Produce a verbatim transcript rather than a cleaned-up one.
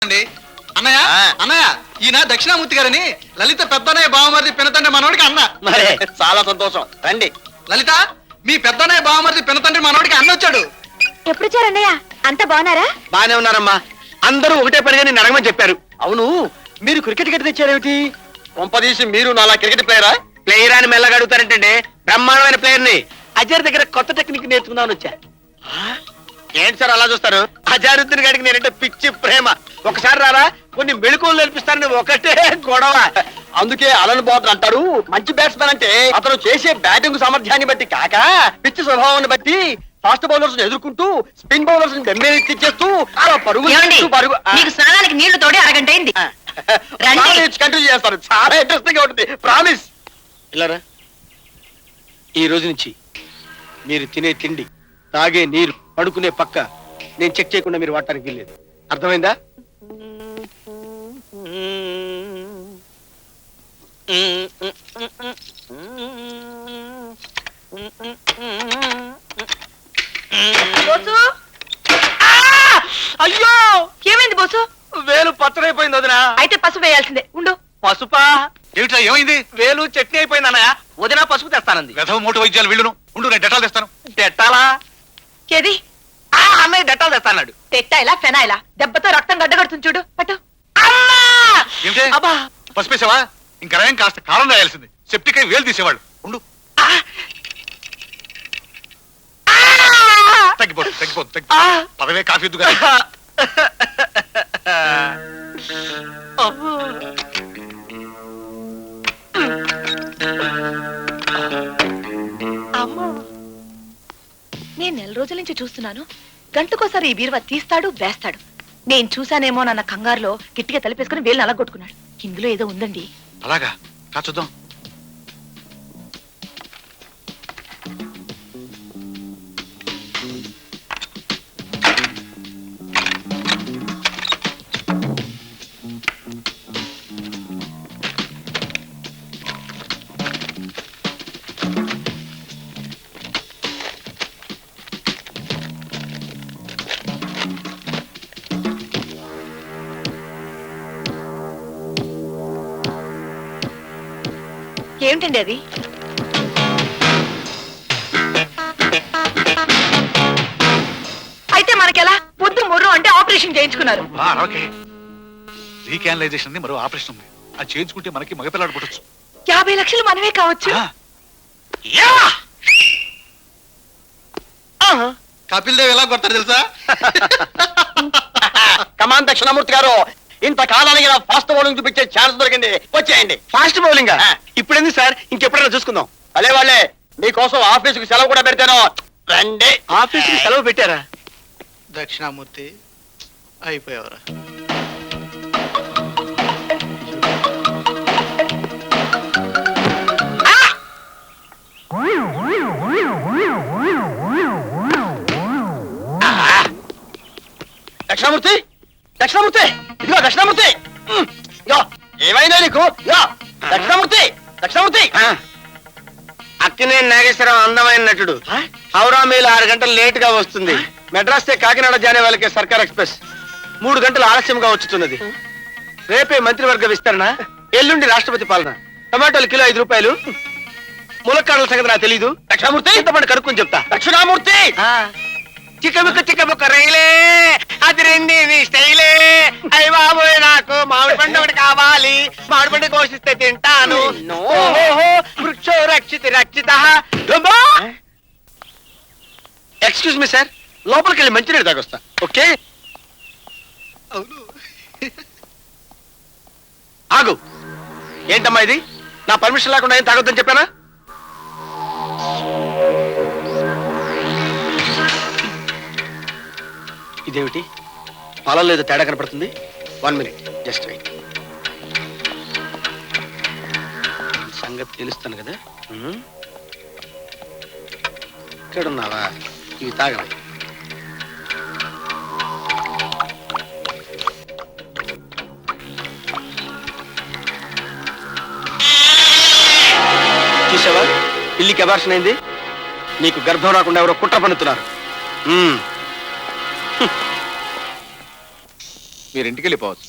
అన్నయ్య అన్నయ్య ఈయన దక్షిణామూర్తి గారని లలిత పెద్దనయ్య బావమరిది పినతండ్రి మనోడికి అన్న. మరే చాలా సంతోషం. రండి. లలిత మీ పెద్దనయ్య బావమరిది పినతండ్రి మనోడికి అన్న వచ్చాడు. ఎప్పుడు వచ్చారన్నయ్య? అంతా బాగున్నారా? బానే ఉన్నారమ్మా. అందరూ ఒకటే పనిగా నేను అడగమని చెప్పారు. అవును, మీరు క్రికెట్ గట్టి తెచ్చారేమిటి? కొంపదీసి మీరు నాలా క్రికెట్ ప్లేయరా? ప్లేయర్ అని మెల్లగా అడుగుతారంటే బ్రహ్మాండమైన ప్లేయర్ ని అజర్ దగ్గర కొత్త టెక్నిక్ నేర్చుకుందామని వచ్చా. ఏంటి సార్ అలా చూస్తారు? అజారుద్దీన్ గారికి నేనంటే పిచ్చి ప్రేమ. ఒకసారి రారా, కొన్ని మెళుకువలు నేర్పిస్తారని ఒకటే గొడవ. అందుకే అలన్ బాబు అంటారు, మంచి బ్యాట్స్మెన్ అంటే అతను చేసే బ్యాటింగ్ సామర్థ్యాన్ని బట్టి కాక పిచ్చి స్వభావాన్ని బట్టి ఫాస్ట్ బౌలర్స్ ఎదుర్కొంటూ స్పిన్ బౌలర్స్ తెచ్చేస్తూ అలా పరుగు పరుగు మీకు స్నానానికి నీళ్లు తోడి అరగంట అయింది. కంటిన్యూ చేస్తారు. చాలా ఇంట్రెస్టింగ్ గా ఉంటుంది. ప్రామిస్. ఇలారా, ఈ రోజు నుంచి మీరు తినే తిండి, తాగే నీరు, పడుకునే పక్క నేను చెక్ చేయకుండా మీరు వాడటానికి వెళ్ళలేదు. అర్థమైందా? అయ్యో, ఏమైంది బోసు? వేలు పచ్చడైపోయింది వదినా. అయితే పసుపు వేయాల్సిందే. ఉండు. పసుపా? ఏమిటా ఏమైంది? వేలు చట్నీ అయిపోయింది అన్నయ్య. వదినా పసుపు తెస్తానంది. వెధవ మూటు వైద్యాలు వీళ్ళును. ఉండు, నేను డెటాల్ తెస్తాను. డెట్టాలా? ఏది? ఆ అన్నయ్య డెట్టాలు తెస్తాడు. తెట్టాయిలా ఫెనాయిలా దెబ్బతో రక్తం గడ్డగడుతుంది చూడు. పట్టు. ఏమిటే పసిపేసావా? ఇంకా రయం కాస్త కారం రాయాల్సింది. సెప్టిక్ అయి వేలు తీసేవాళ్ళు. ఉండు, తగ్గిపోదు తగ్గిపోదు తగ్గి పదవే కాఫీ ఎద్దుగా. నేను నెల రోజుల నుంచి చూస్తున్నాను. గంటకోసారి ఈ బీరువా తీస్తాడు, వేస్తాడు. నేను చూశానేమో నన్న కంగారులో గట్టిగా తలిపేసుకుని వేలు నలగొట్టుకున్నాడు. ఇందులో ఏదో ఉందండి. అలాగా? కా చూద్దాం. ఏమిటండి అది? అయితే మనకెలా? పొద్దు ముర్రు అంటే ఆపరేషన్ చేయించుకున్నారు. రీకానలైజేషన్ మరో ఆపరేషన్ ఉంది. అది చేయించుకుంటే మనకి మగపిల్లాడు పుట్టచ్చు. యాభై లక్షలు మనమే కావచ్చు. కపిల్ దేవ్ ఎలా కొడతారు తెలుసా? కమాన్ దక్షిణామూర్తి గారు, ఇంత కాలానికి ఫాస్ట్ బౌలింగ్ చూపించే ఛాన్స్ దొరికింది. వచ్చేయండి. ఫాస్ట్ బౌలింగ్ ఇప్పుడు ఎందుకు సార్? ఇంకెప్పుడైనా చూసుకుందాం. అలే వాళ్ళే మీకోసం ఆఫీసుకి సెలవు కూడా పెడతాను. రండి. ఆఫీసుకి సెలవు పెట్టారా? దక్షిణామూర్తి అయిపోయావరా? దక్షిణామూర్తి, దక్షిణామూర్తి, ఇదిగో దక్షిణామూర్తి. ఏమైనా నీకు? దక్షిణామూర్తి, దక్షిణామూర్తి. అక్కినే నాగేశ్వరరావు అందమైన నటుడు. హౌరా మేలు ఆరు గంటలు లేట్ గా వస్తుంది. మెడ్రాస్ కాకినాడ జానే వాళ్ళకి సర్కార్ ఎక్స్ప్రెస్ మూడు గంటలు ఆలస్యంగా వచ్చుతున్నది. రేపే మంత్రివర్గ విస్తరణ, ఎల్లుండి రాష్ట్రపతి పాలన. టమాటోలు కిలో ఐదు రూపాయలు. ములక్కాడల సంగతి నాకు తెలీదు. దక్షిణామూర్తి ఇంతమంది కనుక్కొని చెప్తా. దక్షిణామూర్తి, చిక్కబుక్క చిక్కబుక్క రైలే, అది రెండి నీ స్టైలే. అయ్య బాబోయ్, నాకు మామిడి పండు ఒకటి కావాలి. మామిడి పండు కోసిస్తే తింటాను. వృక్షో రక్షిత రక్షిత. ఎక్స్క్యూజ్ మీ సార్, లోపలికి వెళ్ళి మంచినీళ్ళు తాగొస్తా. ఓకే? ఆగు. ఏంటమ్మా ఇది? నా పర్మిషన్ లేకుండా ఏం తాగొద్దని చెప్పానా? ఇదేమిటి? పాలలో ఏదో తేడా కనపడుతుంది. One minute, just wait. సంగతి తెలుస్తాను కదా. ఇక్కడున్నావా? ఇవి తాగరా. చూసావా, పిల్లికి అబార్షన్ అయింది. నీకు గర్భం రాకుండా ఎవరో కుట్ర పన్నుతున్నారు. మీరు ఇంటికి వెళ్ళిపోవచ్చు.